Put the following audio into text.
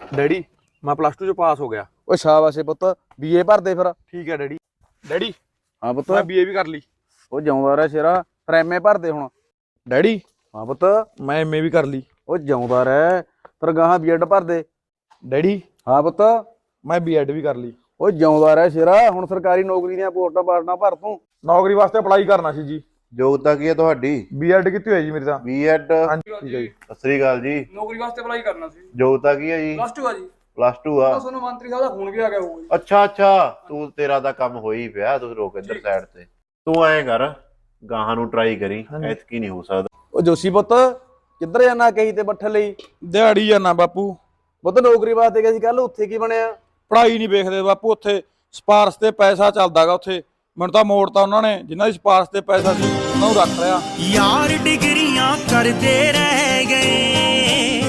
Daddy ਮੈਂ +2 ਚ ਪਾਸ ਹੋ ਗਿਆ। ਓਏ ਸ਼ਾਬਾਸ਼ ਏ ਪੁੱਤ, ਬੀਏ ਭਰ ਦੇ ਫਿਰ। ਠੀਕ ਹੈ ਡੈਡੀ। ਡੈਡੀ ਹਾਂ ਪੁੱਤ। ਮੈਂ ਬੀਏ ਵੀ ਕਰ ਲਈ। ਉਹ ਜਿਉਂਦਾ ਰਹਿ ਸ਼ੇਰਾ, ਫਿਰ ਐਮਏ ਭਰ ਦੇ ਹੁਣ। ਡੈਡੀ ਹਾਂ ਪੁੱਤ। ਮੈਂ ਐਮਏ ਵੀ ਕਰ ਲਈ। ਉਹ ਜਿਉਂਦਾ ਰਹਿ, ਫਿਰ ਗਾਹਾਂ ਬੀਐਡ ਭਰ ਦੇ। ਡੈਡੀ ਹਾਂ ਪੁੱਤ। ਮੈਂ ਬੀਐਡ ਵੀ ਕਰ ਲਈ। ਉਹ ਜਿਉਂਦਾ ਰਹਿ ਸ਼ੇਰਾ, ਹੁਣ ਸਰਕਾਰੀ ਨੌਕਰੀ ਦੀਆਂ ਪੋਸਟਾਂ ਪਾੜਨਾ ਭਰ ਤੂੰ। ਨੌਕਰੀ ਵਾਸਤੇ ਅਪਲਾਈ ਕਰਨਾ ਸੀ ਜੀ। ਯੋਗਤਾ ਕੀ ਹੈ ਤੁਹਾਡੀ? ਬੀਐਡ ਕੀਤੀ ਹੋਈ ਜੀ ਮੇਰੀ ਤਾਂ। ਬੀਐਡ। ਹਾਂਜੀ ਠੀਕ ਹੈ ਜੀ। ਸਤਿ ਸ੍ਰੀ ਅਕਾਲ ਜੀ। ਨੌਕਰੀ ਵਾਸਤੇ ਅਪਲਾਈ ਕਰਨਾ ਸੀ। ਯੋਗਤਾ ਕੀ ਹੈ ਜੀ? +2 ਆ ਜੀ। +2 ਆ। ਤੁਹਾਨੂੰ ਮੰਤਰੀ ਸਾਹਿਬ ਦਾ ਫੋਨ ਵੀ ਆ ਗਿਆ ਹੋਊਗਾ ਜੀ। ਅੱਛਾ ਤੂੰ ਤੇਰਾ ਤਾਂ ਕੰਮ ਹੋ ਹੀ ਪਿਆ, ਤੂੰ ਰੋਕ ਇੱਧਰ ਸਾਈਡ ਤੇ। ਤੂੰ ਐਂ ਕਰ, ਗਾਹਾਂ ਨੂੰ ਟਰਾਈ ਕਰੀ, ਐਤਕੀ ਨਹੀਂ ਹੋ ਸਕਦਾ। ਉਹ ਜੋਸ਼ੀ ਪੁੱਤ ਕਿੱਧਰ ਜਾਣਾ ਕਹੀ ਤੇ ਬੱਠਲ ਲਈ? ਦਿਹਾੜੀ ਜਾਣਾ ਬਾਪੂ। ਪੁੱਤ ਨੌਕਰੀ ਵਾਸਤੇ ਗਏ ਸੀ ਕੱਲ, ਉੱਥੇ ਕੀ ਬਣਿਆ? ਪੜ੍ਹਾਈ ਨਹੀਂ ਵੇਖਦੇ ਬਾਪੂ, ਉੱਥੇ ਸਿਫਾਰਸ਼ ਤੇ ਪੈਸਾ ਚੱਲਦਾਗਾ। ਉੱਥੇ ਮੈਨੂੰ ਤਾਂ ਮੋੜਤਾ ਉਹਨਾਂ ਨੇ, ਜਿਨ੍ਹਾਂ ਦੀ ਸਿਫਾਰਸ਼ ਤੇ ਪੈਸਾ ਸੀ ਉਹਨਾਂ ਨੂੰ ਰੱਖ ਲਿਆ। ਯਾਰ ਡਿਗਰੀਆਂ ਕਰਦੇ ਰਹਿ ਗਏ,